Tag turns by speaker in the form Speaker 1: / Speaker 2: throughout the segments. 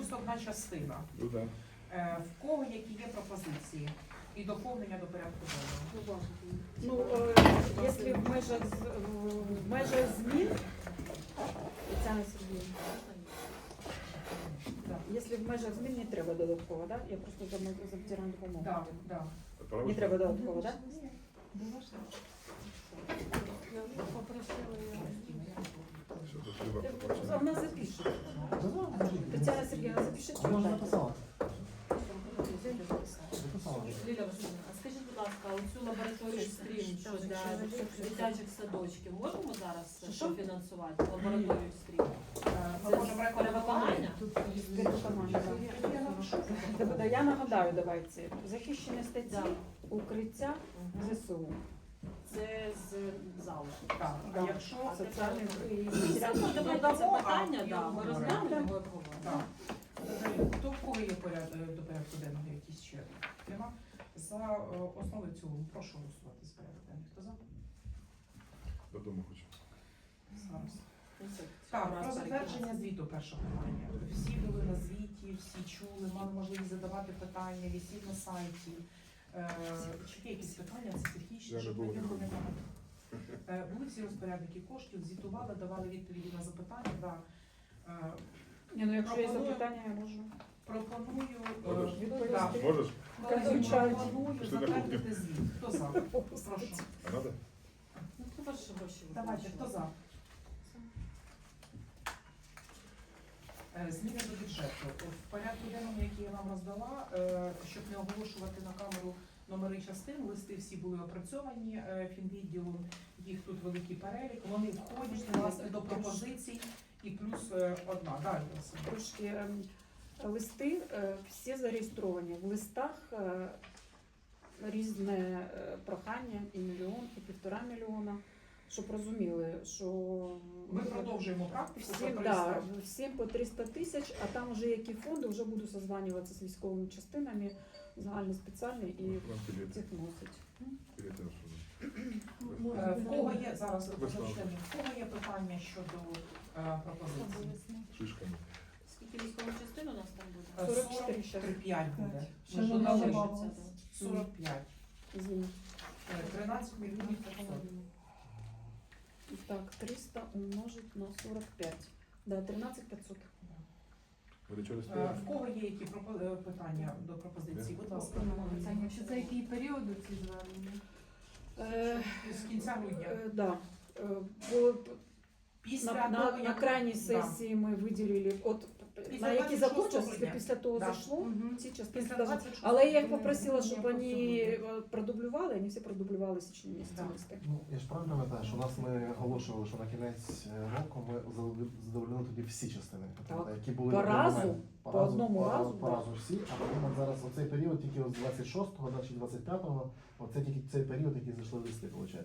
Speaker 1: плюс одна частина.
Speaker 2: Ну да.
Speaker 1: В кого які є пропозиції і доповнення до порядку денного?
Speaker 3: Ну, якщо в межах змін, Тетяна Сергіївна, якщо в межах змін не треба додатково, да? Я просто за ветеранну допомогу.
Speaker 1: Так, так.
Speaker 3: Не треба додатково, так?
Speaker 2: Що тут треба побачити?
Speaker 3: Вона запише. Тетяна Сергіївна, запишіть, що
Speaker 4: Вона вже
Speaker 3: так.
Speaker 4: написала.
Speaker 5: Ліля Васильівна, а скажіть, будь ласка, оцю лабораторію стрім, що для дитячих садочків, можемо зараз фінансувати? Лабораторію стрім?
Speaker 1: Ми можемо
Speaker 5: Перевиконання?
Speaker 3: Перевиконання, да. Я нагадаю, давайте. Захищені статті,
Speaker 5: Да.
Speaker 3: укриття, ЗСУ.
Speaker 5: Це з залишку.
Speaker 1: Так, а якщо
Speaker 3: Соціальний і
Speaker 5: Це
Speaker 1: додамо,
Speaker 5: питання,
Speaker 1: а
Speaker 5: да, ми
Speaker 1: його
Speaker 5: розглянемо
Speaker 3: обговоримо.
Speaker 5: його обговоримо.
Speaker 1: так. Хто в кого є до порядку денного якісь ще тема? За основу і в цілому прошу голосувати з порядку денного. Хто за?
Speaker 2: Додому хочу.
Speaker 1: Зараз.
Speaker 5: Ну, це
Speaker 1: Так,
Speaker 5: раз
Speaker 1: про затвердження
Speaker 5: переконати.
Speaker 1: звіту перше питання. Всі були на звіті, всі чули, мали можливість задавати питання, висів на сайті. Чи є якісь питання, це технічні,
Speaker 2: Я
Speaker 1: щоб
Speaker 2: не був,
Speaker 1: не
Speaker 2: не був.
Speaker 1: Були всі розпорядники коштів, звітували, давали відповіді на запитання. Да.
Speaker 3: Ні, ну якщо є
Speaker 1: Пропоную-
Speaker 3: запитання, я можу.
Speaker 1: Пропоную
Speaker 2: Можеш?
Speaker 3: Відповісти.
Speaker 2: Можеш?
Speaker 1: пропоную
Speaker 2: Пішли на
Speaker 1: затвердити звіт. Хто за? Прошу.
Speaker 2: А надо?
Speaker 5: Ну, це ваші гроші.
Speaker 1: Давайте, хто за? Зміни до бюджету. В порядку денному, який я вам роздала, щоб не оголошувати на камеру номери частин, листи всі були опрацьовані фінвідділом, їх тут великий перелік, вони входять власне до пропозицій і плюс одна. Далі.
Speaker 3: Трошки листи всі зареєстровані. В листах різне прохання, і мільйон, і 1,5 мільйона, щоб розуміли, що
Speaker 1: Ми продовжуємо практику.
Speaker 3: всім, да, всім по 300 тисяч, а там вже які фонди, вже буду созванюватися з військовими частинами, загальні, спеціальні, і
Speaker 2: Вам білети.
Speaker 3: цих носить.
Speaker 2: Білети на що?
Speaker 1: В кого є зараз
Speaker 2: Висловлення.
Speaker 1: в кого є питання щодо пропозицій?
Speaker 2: Шишками.
Speaker 5: Скільки військових частин у нас там буде?
Speaker 3: 44 ще.
Speaker 1: 45 буде.
Speaker 6: Ще
Speaker 1: Ми
Speaker 6: не
Speaker 1: додали
Speaker 6: добавилось.
Speaker 1: 45.
Speaker 3: Извините.
Speaker 1: 13 мільйонів 500.
Speaker 3: Так, 300 умножить на 45. Да, 13 500.
Speaker 2: Ви до чого
Speaker 1: В
Speaker 2: стоїте?
Speaker 1: кого є які питання до пропозиції? Будь ласка.
Speaker 6: Чи це який період ці звернення?
Speaker 1: З кінця грудня.
Speaker 3: Да. Бо
Speaker 1: Після
Speaker 3: на
Speaker 1: того, як-
Speaker 3: крайній
Speaker 1: Да.
Speaker 3: сесії ми виділили, от
Speaker 1: Після
Speaker 3: на які
Speaker 1: 26
Speaker 3: закончилися,
Speaker 1: грудня.
Speaker 3: після того
Speaker 1: Да.
Speaker 3: зайшло, ці частини.
Speaker 1: Після
Speaker 3: даже-
Speaker 1: 26
Speaker 3: Але я їх
Speaker 1: грудня
Speaker 3: попросила, щоб
Speaker 1: просто
Speaker 3: вони
Speaker 1: буде.
Speaker 3: продублювали, вони всі продублювали січні місяці
Speaker 1: Да.
Speaker 3: листи.
Speaker 4: Ну, я ж правильно пам'ятаю, що у нас ми оголошували, що на кінець року ми задовольнили тоді всі частини,
Speaker 3: Так.
Speaker 4: які були
Speaker 3: По
Speaker 4: на
Speaker 3: разу?
Speaker 4: момент.
Speaker 3: По одному разу,
Speaker 4: По
Speaker 3: да.
Speaker 4: разу всі, а потім от зараз оцей період тільки з 26-го, значить 25-го, оце тільки цей період, який зайшли листи, виходить.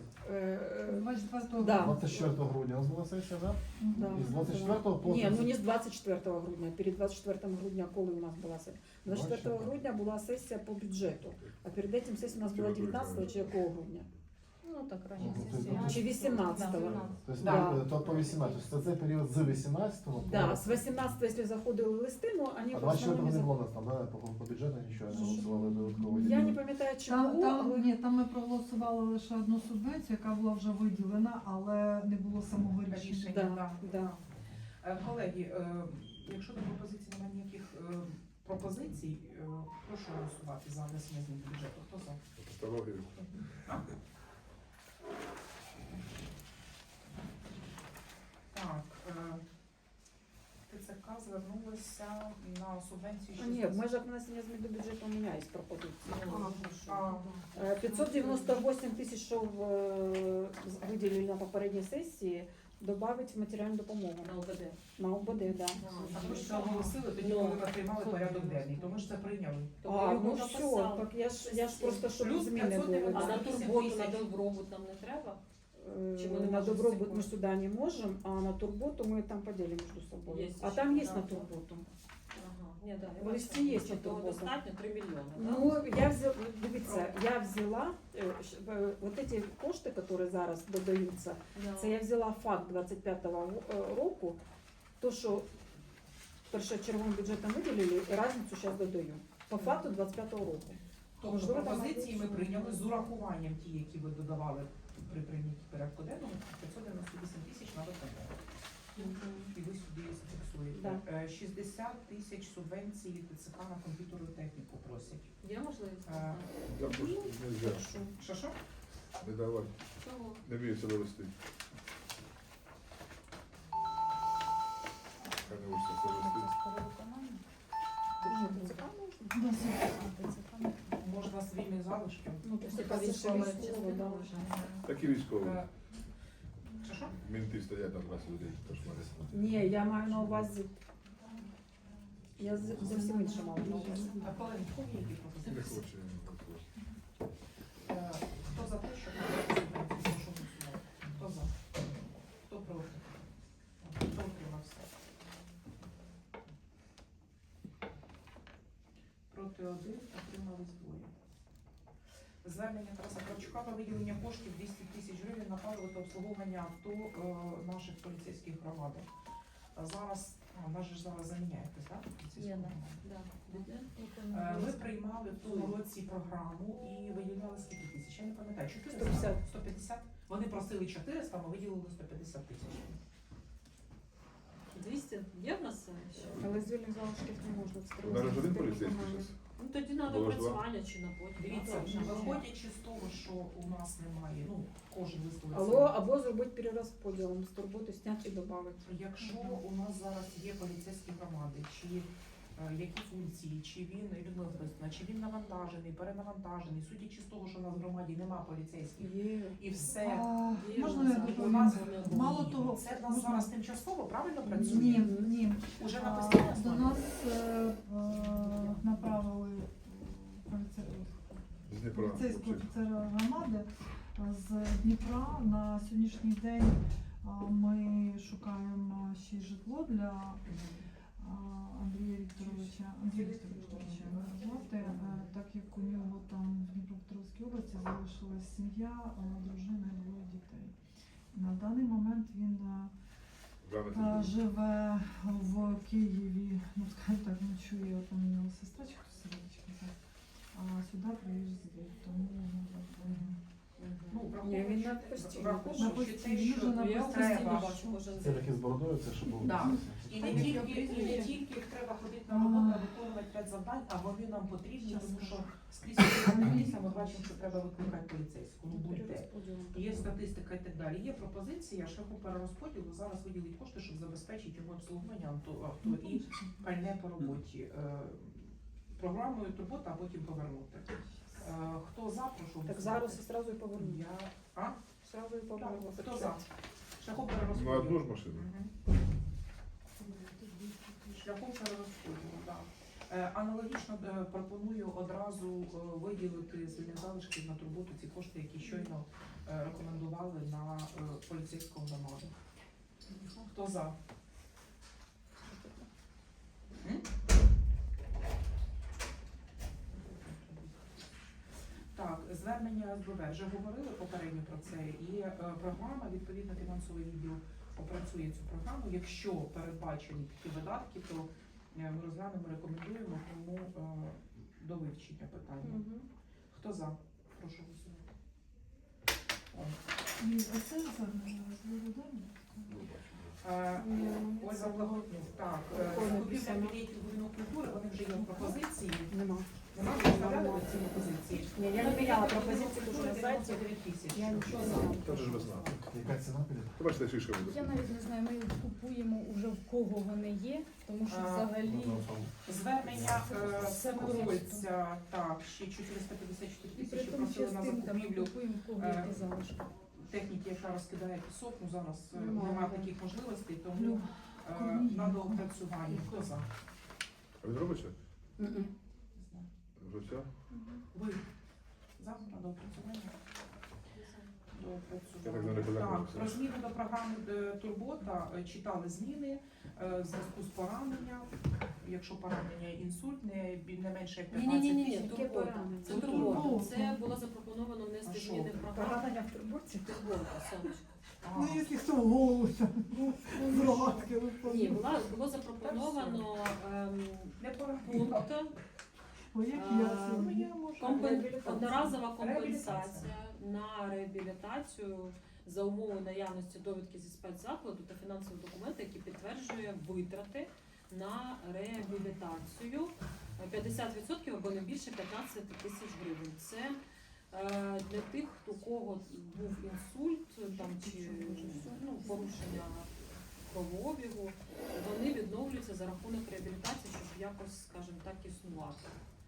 Speaker 6: 24
Speaker 3: Да.
Speaker 4: 24 грудня у нас була сесія, так?
Speaker 3: Да.
Speaker 4: І з 24 по
Speaker 3: Ні, ну не з 24 грудня, перед 24 грудня, коли у нас була сесія. 24 грудня була сесія по бюджету, а перед цим сесія у нас була 19 чи якого грудня?
Speaker 6: Ну так,
Speaker 3: Чи 18-го?
Speaker 4: Тобто,
Speaker 3: Да.
Speaker 4: то по 18, тобто це цей період з 18-го по...
Speaker 3: Да, з 18-го, якщо заходили листи, ну вони
Speaker 4: А
Speaker 3: в
Speaker 4: 24-го
Speaker 3: основному
Speaker 4: не
Speaker 3: не
Speaker 4: було у нас там, да, по бюджету нічого не голосували додатково.
Speaker 3: Я не пам'ятаю, чи було, але
Speaker 6: Там ми проголосували лише одну субвенцію, яка була вже виділена, але не було самого рішення.
Speaker 1: Рішення,
Speaker 3: Да,
Speaker 1: да.
Speaker 3: да.
Speaker 1: Колеги, якщо до пропозицій немає ніяких пропозицій, прошу голосувати за внесення змін до бюджету. Хто за?
Speaker 2: Тавтологію.
Speaker 1: Так, ТЦК звернулася на субвенцію.
Speaker 3: Ні, в межах внесення змін до бюджету у мене є пропозиція.
Speaker 1: А,
Speaker 3: 598 тисяч, що виділили на попередній сесії, додати в матеріальну допомогу.
Speaker 5: На ОБД.
Speaker 3: На ОБД, да.
Speaker 1: А ми ж це оголосили тоді, коли ми приймали порядок денний, то ми ж це прийняли.
Speaker 3: А, ну все, так я ж просто, щоб
Speaker 1: Плюс
Speaker 3: зміни
Speaker 1: 500
Speaker 3: були.
Speaker 5: А на
Speaker 1: 8
Speaker 5: турботу, на
Speaker 1: тисяч.
Speaker 5: добробут нам не треба? Чи ми не
Speaker 3: На
Speaker 5: можемо
Speaker 3: добробут
Speaker 5: всі
Speaker 3: ми сюди не можемо, а на турботу ми там поділимо між собою.
Speaker 5: Є
Speaker 3: А
Speaker 5: ще,
Speaker 3: там є
Speaker 5: да.
Speaker 3: на турботу.
Speaker 5: Ага. Ні, да,
Speaker 3: В листі є на
Speaker 5: того
Speaker 3: турботу.
Speaker 5: достатньо 3 мільйони, да?
Speaker 3: Ну, я взяла, дивіться, я взяла вот эти кошти, які зараз додаються,
Speaker 5: Да.
Speaker 3: це я взяла факт 25-го року, то що першочерговим бюджетом виділили, і різницю зараз додаю. По факту 25-го року.
Speaker 1: Тобто
Speaker 3: Можливо, там
Speaker 1: пропозиції ми
Speaker 3: якось-
Speaker 1: прийняли з урахуванням ті, які ви додавали при прийнятті порядку денного, 598 тисяч на ВПП. І ви сюди зафіксуєте. 60 тисяч субвенції ТЦК на комп'ютерну техніку просять.
Speaker 5: Є можливість?
Speaker 1: Е,
Speaker 2: Там просто нельзя.
Speaker 1: Що?
Speaker 2: Не давати.
Speaker 5: Чого?
Speaker 2: Не вміється довести. Хай не вийшло це вести.
Speaker 3: Ні, ТЦК можна.
Speaker 1: Можна з вільних залишків.
Speaker 3: Ну,
Speaker 5: Це
Speaker 3: ТЦК це ще
Speaker 5: військова
Speaker 3: військово,
Speaker 5: частина
Speaker 3: да.
Speaker 5: вже.
Speaker 2: Такі військові.
Speaker 1: Е, Що?
Speaker 2: Мінти стоять там раз людей, кошмари.
Speaker 3: Ні, я маю на увазі. Я зовсім інше мала на увазі.
Speaker 1: А коли які
Speaker 2: Не
Speaker 1: пропозиції?
Speaker 2: хоче, не хоче.
Speaker 1: Хто за те, щоб надати субвенцію? Прошу голосувати. Хто за? Хто проти? Хто утримався? Проти 1, утримались 2. Звернення Тараса Кравчука про виділення коштів 200 тисяч гривень на паливо та обслуговування авто наших поліцейських громад. Зараз, нас же ж зараз заміняєтесь, так?
Speaker 5: Є, да.
Speaker 1: Ми приймали в тому році програму і виділяли скільки тисяч? Я не пам'ятаю, 400?
Speaker 3: 150.
Speaker 1: 150? Вони просили 400, ми виділили 150 тисяч.
Speaker 5: 200 є в нас ще?
Speaker 3: Але з вільних залишків не можна. це
Speaker 2: У нас ж один
Speaker 3: треба
Speaker 2: поліцейський
Speaker 3: виконання.
Speaker 2: зараз.
Speaker 5: Ну тоді треба
Speaker 2: Було ж
Speaker 5: опрацювання чи на потім.
Speaker 1: Дивіться,
Speaker 5: А, вже.
Speaker 1: виходячи з того, що у нас немає, ну, кожен висловить.
Speaker 3: Або зробити перерозподілом з турботи, зняти і додати.
Speaker 1: Якщо у нас зараз є поліцейські громади, чи які функції, чи він Людмила Борисівна, чи він навантажений, перенавантажений, судячи з того, що у нас в громаді немає поліцейських,
Speaker 3: Є.
Speaker 1: і все.
Speaker 5: Є
Speaker 6: Можна
Speaker 5: в нас,
Speaker 6: я
Speaker 5: а
Speaker 1: У
Speaker 6: доповім?
Speaker 1: нас
Speaker 6: Мало того,
Speaker 1: це в нас
Speaker 6: можна-
Speaker 1: зараз тимчасово правильно працює?
Speaker 6: Ні.
Speaker 1: Уже на
Speaker 6: До
Speaker 1: постійній основі?
Speaker 6: нас направили
Speaker 2: З Дніпра.
Speaker 6: поліцейського
Speaker 2: хлопчик.
Speaker 6: офіцера громади з Дніпра. На сьогоднішній день ми шукаємо ще й житло для Андрія Вікторовича мене звати, так як у нього там в Дніпропетровській області залишилась сім'я, дружина і двоє дітей. На даний момент він
Speaker 2: Рано
Speaker 6: живе в Києві, ну скажімо так, ночує, там у нього сестра чи хтось сидить, а сюди приїжджає, тому
Speaker 1: Ну,
Speaker 3: Ні, він на
Speaker 1: враховуючи
Speaker 3: постійно.
Speaker 1: враховуючи
Speaker 6: На
Speaker 1: те,
Speaker 6: постійно,
Speaker 1: що
Speaker 6: на
Speaker 5: Я
Speaker 6: постійно.
Speaker 5: постійно
Speaker 1: треба.
Speaker 5: бачу кожен
Speaker 4: Це
Speaker 5: день.
Speaker 4: такі з бородою, це що було.
Speaker 1: Да. І
Speaker 4: Це
Speaker 1: не тільки їх треба ходити на роботу, а виконувати ряд завдань, а вони нам потрібні, тому що скрізь поліція ми бачимо, що треба викликати поліцейську. Ну будьте.
Speaker 3: Перерозподілом.
Speaker 1: Є статистика і так далі. Є пропозиція шляху перерозподілу зараз виділити кошти, щоб забезпечити його обслуговування авто і пальне по роботі. Програмою турбота, а потім повернути. Хто за, прошу
Speaker 3: Так
Speaker 1: голосувати.
Speaker 3: зараз і одразу і поверну.
Speaker 1: Я... А?
Speaker 3: Сразу і поверну.
Speaker 1: Так, хто за? Шляхом
Speaker 2: На
Speaker 1: перерозподілу.
Speaker 2: одну ж машину.
Speaker 1: Мгм. Шляхом перерозподілу, так. Аналогічно пропоную одразу виділити з вільних залишків на турботу ці кошти, які щойно рекомендували на поліцейську громаду. Хто за? М? Так, звернення СБВ. Вже говорили попередньо про це. І програма, відповідно, фінансовий відділ опрацює цю програму. Якщо передбачені такі видатки, то ми розглянемо, рекомендуємо, тому до вивчення питання.
Speaker 3: Мгм.
Speaker 1: Хто за? Прошу голосувати. О.
Speaker 6: І оце звернення розглядання.
Speaker 2: Ну, бачу.
Speaker 1: Ольга Благоднюк. Так,
Speaker 3: Прикольно
Speaker 1: закупівля
Speaker 3: писано.
Speaker 1: білетів будинок культури, вони вже є в пропозиції.
Speaker 3: Нема.
Speaker 1: Нема виставляли ці пропозиції.
Speaker 3: Ні, я не міняла пропозиції, тому що на сайті
Speaker 1: 99 тисяч.
Speaker 3: я нічого не
Speaker 1: Що
Speaker 3: знала.
Speaker 2: Це ж весна.
Speaker 4: Яка ціна піде?
Speaker 2: Ти бачите, шишка буде.
Speaker 7: Я навіть не знаю, ми купуємо вже в кого вони є, тому що
Speaker 1: А,
Speaker 7: взагалі
Speaker 1: Звернення
Speaker 7: Все
Speaker 1: стосується, так, ще 454
Speaker 7: і при
Speaker 1: тисячі
Speaker 7: тому
Speaker 1: просили на
Speaker 7: частинка ми
Speaker 1: закупівлю
Speaker 7: купуємо в кого які залишки.
Speaker 1: техніки, яка розкидає пісок. Ну зараз
Speaker 3: Немає,
Speaker 1: немає
Speaker 3: да.
Speaker 1: таких можливостей, тому
Speaker 6: Люба,
Speaker 1: на доопрацювання. Хто за?
Speaker 2: А він робиться?
Speaker 3: Мгм.
Speaker 2: Вже все?
Speaker 1: Ви за на доопрацювання?
Speaker 2: Я так не
Speaker 1: Так,
Speaker 2: розумію.
Speaker 1: про зміни до програми Турбота читали зміни в зв'язку з пораненням. Якщо поранення інсульт не менше як 15
Speaker 5: Ні,
Speaker 1: тисяч.
Speaker 3: Яке поранення?
Speaker 5: Це
Speaker 1: Турбота.
Speaker 5: турбота. Це було запропоновано внести
Speaker 1: А що?
Speaker 5: зміни в програму.
Speaker 3: Поранення в турбурці?
Speaker 5: Турбота, сонечко.
Speaker 6: Ну, якщо хто в голову там з рогатки
Speaker 5: Ні,
Speaker 6: виходить.
Speaker 5: було запропоновано
Speaker 1: Не пора.
Speaker 5: пункт
Speaker 6: Ой, як
Speaker 5: А,
Speaker 6: я сьогодні.
Speaker 5: одноразова компенсація на реабілітацію за умови наявності довідки зі спецзакладу та фінансового документу, який підтверджує витрати на реабілітацію 50% або не більше 15 тисяч гривень. Це для тих, у кого був інсульт там, чи порушення кровообігу, вони відновлюються за рахунок реабілітації, щоб якось, скажімо так, існувати.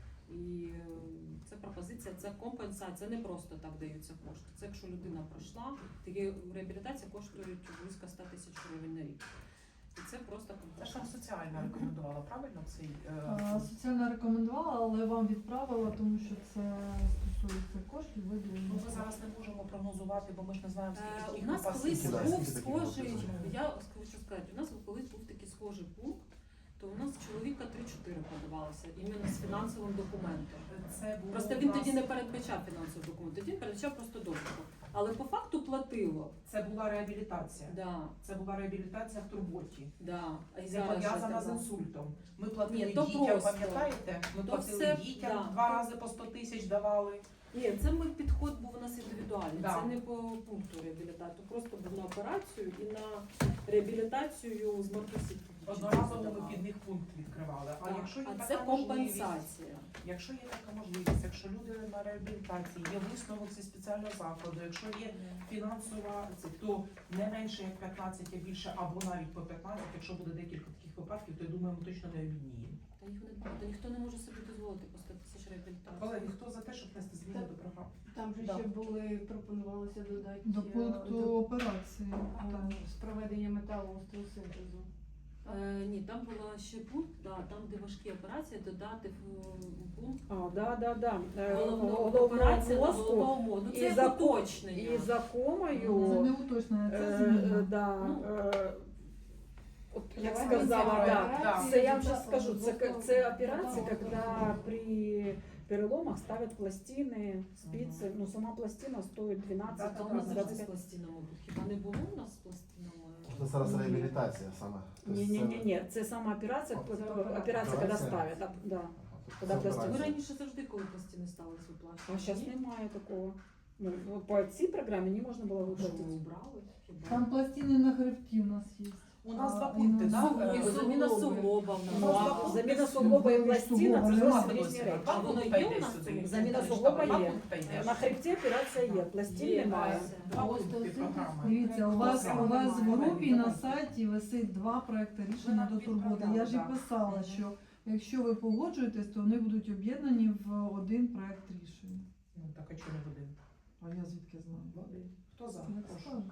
Speaker 5: І це пропозиція, це компенсація, це не просто так даються кошти. Це якщо людина пройшла, такі реабілітація коштують близько 100 тисяч гривень на рік. І це просто
Speaker 1: Це ж
Speaker 5: компенсація.
Speaker 1: там соціальна рекомендувала, правильно? Цей,
Speaker 6: Соціально рекомендувала, але вам відправила, тому що це стосується коштів,
Speaker 1: ну,
Speaker 6: виділення.
Speaker 1: ми зараз не можемо прогнозувати, бо ми ж не знаємо, скільки
Speaker 5: У
Speaker 1: таких
Speaker 5: нас колись
Speaker 4: Скільки, да,
Speaker 5: був
Speaker 4: скільки таких
Speaker 5: схожий,
Speaker 4: було?
Speaker 5: я хочу сказати, у нас колись був такий схожий пункт, то у нас чоловіка 3-4 подавалося, іменно з фінансовим документом.
Speaker 1: Це було
Speaker 5: Просто
Speaker 1: у
Speaker 5: він
Speaker 1: нас-
Speaker 5: тоді не передбачав фінансовий документ, тоді він передбачав просто довідку. Але по факту платило.
Speaker 1: Це була реабілітація.
Speaker 5: Да,
Speaker 1: Це була реабілітація в турботі.
Speaker 5: да. А й
Speaker 1: Не
Speaker 5: зараз же
Speaker 1: пов'язана з
Speaker 5: треба.
Speaker 1: інсультом. Ми платили
Speaker 5: Ні, то
Speaker 1: дітям,
Speaker 5: просто.
Speaker 1: пам'ятаєте? Ми
Speaker 5: То
Speaker 1: платили
Speaker 5: все,
Speaker 1: дітям,
Speaker 5: да.
Speaker 1: 2 рази по 100 тисяч давали.
Speaker 5: Ні, це ми підход був у нас індивідуальний.
Speaker 1: Да.
Speaker 5: Це не по пункту реабілітації. Просто був на операцію і на реабілітацію з мордосів.
Speaker 1: Одноразово ми під них пункт відкривали. А якщо є
Speaker 5: А
Speaker 1: така
Speaker 5: це
Speaker 1: можливість,
Speaker 5: компенсація.
Speaker 1: якщо є така можливість, якщо люди на реабілітації, є висновок зі спеціального закладу, якщо є фінансова, то не менше як 15, а більше, або навіть по 15, якщо буде декілька таких випадків, то я думаю, ми точно не обідніємо.
Speaker 5: Та їх не багато. Ніхто не може собі дозволити по 100 тисяч реабілітації.
Speaker 1: Колеги, хто за те, щоб внести зміни до програми?
Speaker 8: Там же
Speaker 1: Да.
Speaker 8: ще були, пропонувалося додати
Speaker 6: До пункту операції.
Speaker 8: з проведення металоостросинтезу.
Speaker 5: Ні, там була ще пункт, да, там, де важкі операції, додати пункт
Speaker 3: Да.
Speaker 5: головного
Speaker 3: Головного
Speaker 5: операції на
Speaker 3: мозку
Speaker 5: головного мозку. Ну,
Speaker 3: і
Speaker 5: це
Speaker 3: за-
Speaker 5: як уточнення.
Speaker 3: і за
Speaker 6: Це
Speaker 3: комою.
Speaker 6: не уточнення, це
Speaker 3: Е,
Speaker 6: зміна.
Speaker 3: да,
Speaker 5: Ну.
Speaker 3: от як
Speaker 8: Давай
Speaker 3: сказала,
Speaker 1: ми
Speaker 3: да.
Speaker 1: Да.
Speaker 3: Це я вам сейчас скажу, це операции, когда при переломах ставят пластины, спицы, ну сама пластина стоит 12,
Speaker 5: А у нас завжди з
Speaker 3: 25.
Speaker 5: пластинами. Хіба не було у нас з пластинами?
Speaker 4: Це зараз реабілітація саме. Тобто
Speaker 3: Не, це сама операция, операция, когда ставят, да.
Speaker 4: Ага, тобто
Speaker 3: Коли
Speaker 4: це
Speaker 3: пластина.
Speaker 5: Ми
Speaker 4: операція.
Speaker 5: раніше завжди, коли пластини ставились, виплачували.
Speaker 3: А сейчас немає такого. Ну, по цій програмі не можна було
Speaker 5: Що ми
Speaker 3: виплатити.
Speaker 5: убрали? Хіба?
Speaker 6: Там пластини на хребті у нас є.
Speaker 1: У нас два
Speaker 6: А,
Speaker 1: пункти,
Speaker 6: і
Speaker 1: так?
Speaker 6: на
Speaker 5: І заміна суглоба в
Speaker 3: Ну,
Speaker 5: нас.
Speaker 3: а заміна суглоба і пластина це
Speaker 6: Суглоба,
Speaker 3: зовсім
Speaker 6: нема.
Speaker 3: різні речі.
Speaker 5: А воно є у нас тут?
Speaker 3: Заміна
Speaker 1: Два
Speaker 3: суглоба
Speaker 1: пункти
Speaker 3: є.
Speaker 1: йде.
Speaker 3: На хребті операція є, пластин
Speaker 5: Є,
Speaker 3: немає.
Speaker 1: Два пункти програми.
Speaker 6: Дивіться, у вас
Speaker 1: Програма
Speaker 6: в
Speaker 1: немає.
Speaker 6: групі на сайті висить 2 проекти рішення до турботи. Я ж і
Speaker 1: Так.
Speaker 6: писала, що якщо ви погоджуєтесь, то вони будуть об'єднані в один проект рішення.
Speaker 1: Ну так, а чого не один?
Speaker 6: А я звідки знаю?
Speaker 1: Хто за?
Speaker 6: Як
Speaker 1: Прошу.
Speaker 6: скажете.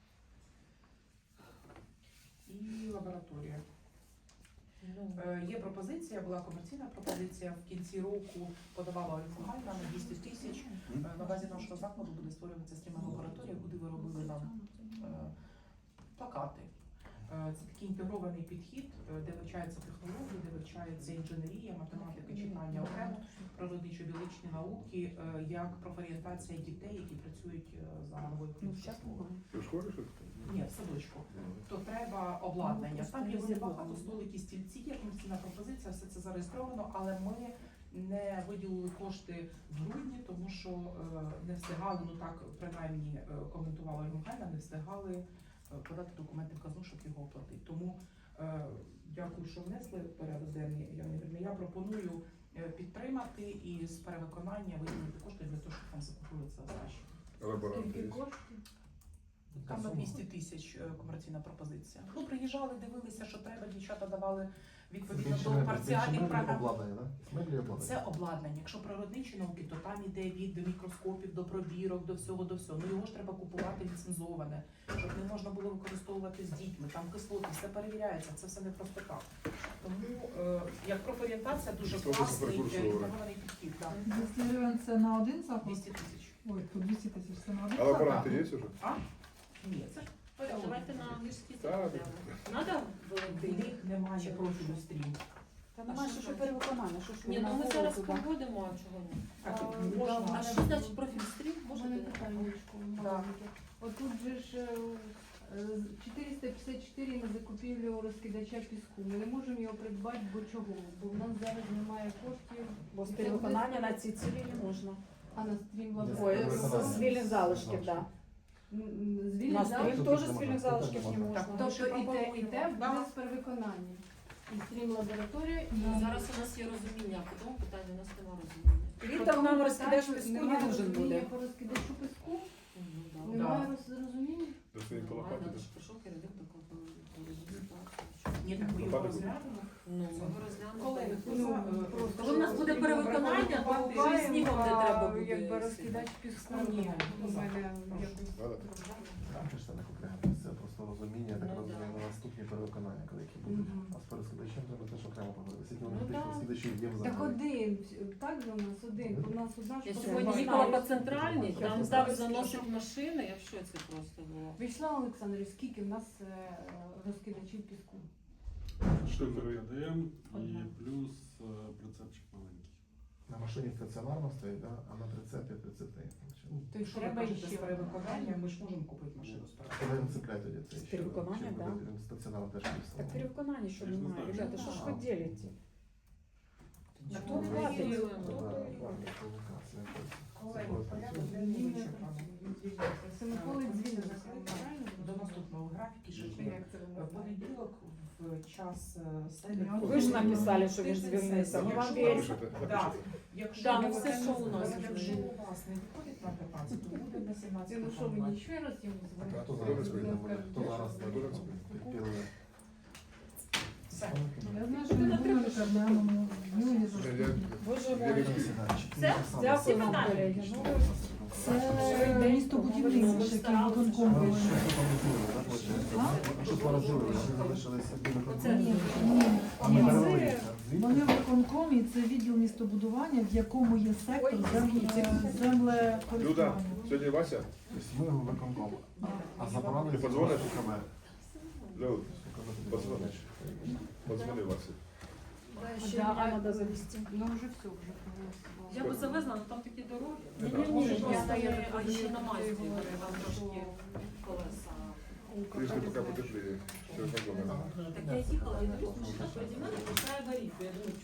Speaker 1: І лабораторія.
Speaker 5: Ну,
Speaker 1: Є пропозиція, була комерційна пропозиція. В кінці року подавала Ольга Ганна на 200 тисяч. На базі нашого закладу буде створюватися стрімна лабораторія, куди виробили нам плакати. Це такий інтегрований підхід, де вивчаються технології, де вивчається інженерія, математика, читання окремо, природничо-біологічні науки, як профорієнтація дітей, які працюють за новою
Speaker 3: Ну, зараз
Speaker 1: професією.
Speaker 3: немає.
Speaker 2: Ти в школі щось?
Speaker 1: Ні, в садочку. То треба обладнання. Там є дуже багато столики, стільці, є комерційна пропозиція, все це зареєстровано, але ми не виділили кошти в грудні, тому що не встигали, ну так принаймні коментувала Ольга, не встигали подати документи в казну, щоб його оплатити. Тому дякую, що внесли в порядок денний. Я пропоную підтримати і з перевиконання виділити кошти для того, щоб там закупили це краще.
Speaker 2: Лаборанти є?
Speaker 1: Там на 200 тисяч комерційна пропозиція. Ну, приїжджали, дивилися, що треба, дівчата давали відповідно до парціальних програм.
Speaker 4: обладнання, так? Меблі обладнання.
Speaker 1: Це обладнання. Якщо природничі науки, то там іде від мікроскопів, до пробірок, до всього. Ну його ж треба купувати ліцензоване, щоб не можна було використовувати з дітьми. Там кислоти, все перевіряється, це все не просто так. Тому як профорієнтація дуже
Speaker 2: Це
Speaker 1: класний
Speaker 2: прекурсори.
Speaker 1: інтегрований підхід. Так.
Speaker 6: 200 гривень це на один заклад?
Speaker 1: 200 тисяч.
Speaker 6: Ой, то 200 тисяч це на один
Speaker 2: А лаборанти
Speaker 6: заклад?
Speaker 2: є вже?
Speaker 1: Ні, це ж
Speaker 5: Давайте на англійський
Speaker 2: Так.
Speaker 5: закладемо. Надо
Speaker 1: в
Speaker 5: великий?
Speaker 1: них немає профілю стрім.
Speaker 3: Та немає що перевиконання, що ж
Speaker 5: Ні,
Speaker 3: ми
Speaker 5: ну ми
Speaker 3: на
Speaker 5: зараз
Speaker 3: туди.
Speaker 5: проводимо, а чого ні?
Speaker 1: Так,
Speaker 8: А,
Speaker 1: можна.
Speaker 5: А що значить профіль стрім?
Speaker 8: Можна
Speaker 5: Можете?
Speaker 8: питаннячко маленьке. Отут же ж 454 на закупівлю розкидача піску. Ми не можемо його придбати, бо чого? Бо в нас зараз немає коштів.
Speaker 3: Бо з перевиконання на ці цілі не можна.
Speaker 8: А на стрім
Speaker 3: Ой,
Speaker 8: лабораторію.
Speaker 3: з вільних залишків, так.
Speaker 8: З
Speaker 3: На
Speaker 8: вільних
Speaker 3: стрім
Speaker 8: залишків.
Speaker 3: теж з вільних залишків не можна.
Speaker 1: Так,
Speaker 8: Тобто і те
Speaker 1: Да.
Speaker 8: буде з перевиконання. І стрім лабораторія, і
Speaker 5: Зараз у нас є розуміння, а по тому питанню у нас немає розуміння.
Speaker 3: Літом нам розкидаєш піску не
Speaker 8: немає
Speaker 3: нужен
Speaker 8: розуміння
Speaker 3: буде.
Speaker 8: по розкидачу піску,
Speaker 5: Ну, да.
Speaker 8: немає розуміння.
Speaker 2: До своєї
Speaker 5: Немає,
Speaker 2: лопати.
Speaker 5: надо ж прийшов керівник до
Speaker 1: Ні, так ми його
Speaker 2: Лопати
Speaker 1: розглянемо.
Speaker 5: Ну, ми розглянемо.
Speaker 1: Колеги, хто
Speaker 8: Ну,
Speaker 1: за,
Speaker 8: просто
Speaker 5: Коли в нас буде перевиконання, то вже і снігом не треба буде.
Speaker 8: Якби розкидач піску, ні, у мене якось.
Speaker 2: Надо?
Speaker 4: Там ж це не окремо, це просто розуміння, я так
Speaker 5: Ну,
Speaker 4: розумію,
Speaker 5: да.
Speaker 4: на наступні перевиконання, коли які будуть.
Speaker 8: Мгм.
Speaker 4: А з перескидачем треба теж окремо поговорити. Скільки
Speaker 5: Ну,
Speaker 4: вони
Speaker 5: да.
Speaker 4: розкидачів є в
Speaker 8: Так
Speaker 4: законі?
Speaker 8: один, так же у нас один. У нас одна
Speaker 5: Я
Speaker 8: ж
Speaker 5: сьогодні
Speaker 8: проблема.
Speaker 5: їхала по центральній,
Speaker 4: Я
Speaker 5: там
Speaker 4: не
Speaker 5: так
Speaker 3: знаю,
Speaker 5: заносить машини, я в шоці просто була.
Speaker 8: Вячеслав Олександрович, скільки в нас розкидачів піску?
Speaker 2: Що
Speaker 9: КДМ і
Speaker 8: Одна.
Speaker 9: плюс прицепчик маленький.
Speaker 4: На машині стаціонарно стоїть, да? А на прицепі 30.
Speaker 8: То й
Speaker 1: Що ви
Speaker 8: треба
Speaker 1: кажете з
Speaker 8: ще.
Speaker 1: перевиконання, ми ж можемо купити машину з
Speaker 4: Коли
Speaker 1: перевиконання.
Speaker 4: він цепляє тоді це
Speaker 3: З
Speaker 4: ще?
Speaker 3: перевиконання,
Speaker 4: Чи
Speaker 3: да.
Speaker 4: буде він стаціонарно теж
Speaker 3: Так
Speaker 4: півставлено?
Speaker 3: перевиконання, що
Speaker 9: Я ж не
Speaker 3: немає.
Speaker 9: знаю.
Speaker 3: Ребята, що ж ви ділите?
Speaker 1: На
Speaker 3: Хто
Speaker 1: то не
Speaker 3: платить?
Speaker 1: виділили.
Speaker 4: Ну,
Speaker 3: Хто
Speaker 4: да,
Speaker 3: то
Speaker 4: да,
Speaker 3: платить?
Speaker 4: провокація, точно.
Speaker 1: Колеги,
Speaker 4: Це
Speaker 1: порядок
Speaker 4: працює.
Speaker 1: денний вичерпано.
Speaker 8: Семиколи звільнено, правильно?
Speaker 1: До наступного графіки ще є.
Speaker 8: Як це
Speaker 1: В
Speaker 8: ви
Speaker 1: понеділок в час
Speaker 3: Ви ж написали, що він звільнився. Ми вам віримо.
Speaker 2: Напишете,
Speaker 1: Так,
Speaker 2: напишете.
Speaker 1: якщо
Speaker 5: Да,
Speaker 1: не
Speaker 5: ну все, що у нас
Speaker 1: якщо
Speaker 5: вже.
Speaker 1: у вас не виходить на 15, то буде на 17.
Speaker 8: Ну що, мені ще раз йому
Speaker 4: А
Speaker 8: дзвонити?
Speaker 4: хто зараз вийде буде? Хто зараз підпілує?
Speaker 1: Все.
Speaker 6: Я знаю, що ми думали, що глянемо. Юлі
Speaker 3: Боже
Speaker 2: Я
Speaker 3: мой.
Speaker 2: вірю.
Speaker 3: Дякую вам,
Speaker 5: питання.
Speaker 3: колеги. Ну,
Speaker 6: Це місто будівництво, яке виконком
Speaker 4: Ви
Speaker 6: були.
Speaker 4: щось помітили, так, виходить? Що поразили, що залишилися біля
Speaker 5: Оце
Speaker 6: Ні,
Speaker 4: А ми
Speaker 6: ні,
Speaker 4: перевелися.
Speaker 6: вони в виконкомі, це відділ містобудування, в якому є сектор землекористування.
Speaker 2: Люда, сьогодні Вася?
Speaker 4: Тобто ми в виконком. А заборонили
Speaker 2: Ти подзвониш?
Speaker 4: КМ.
Speaker 2: Люд, подзвониш. Подзвони Вася.
Speaker 3: ще мені треба завести.
Speaker 8: Ну вже все, вже проголосували.
Speaker 5: Я би завезла, але там такі дороги.
Speaker 3: Ні-ні-ні,
Speaker 5: Просто
Speaker 3: я
Speaker 5: а ще на масті там трошки колеса.
Speaker 2: Трішки поки потепліє. Через
Speaker 5: Так я їхала, і дивлюсь, машина переді мною починає горіти. Я думаю,